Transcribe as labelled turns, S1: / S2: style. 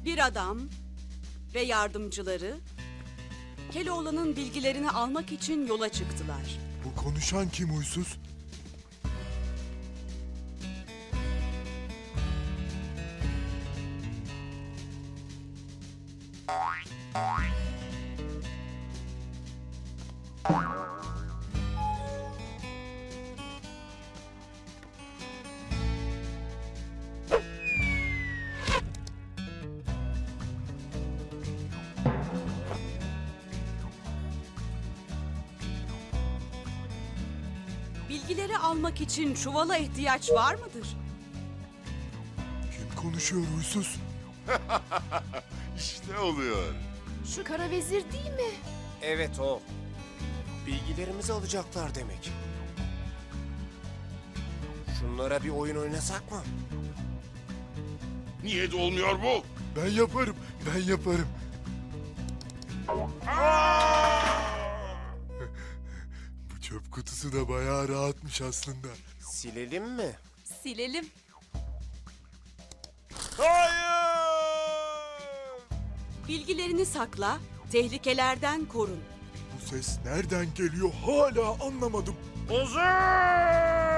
S1: Bir adam ve yardımcıları Keloğlan'ın bilgilerini almak için yola çıktılar.
S2: Bu konuşan kim huysuz?
S1: Bilgileri almak için çuvala ihtiyaç var mıdır?
S2: Kim konuşuyor huysuz?
S3: İşte oluyor.
S4: Şu kara vezir değil mi?
S5: Evet o. Bilgilerimizi alacaklar demek. Şunlara bir oyun oynasak mı?
S3: Niye de olmuyor bu?
S2: Ben yaparım, ben yaparım. Bu çöp kutusu da bayağı rahatmış aslında.
S5: Silelim mi?
S1: Silelim.
S3: Hayır!
S1: Bilgilerini sakla, tehlikelerden korun.
S2: Bu ses nereden geliyor hala anlamadım.
S3: Ozan!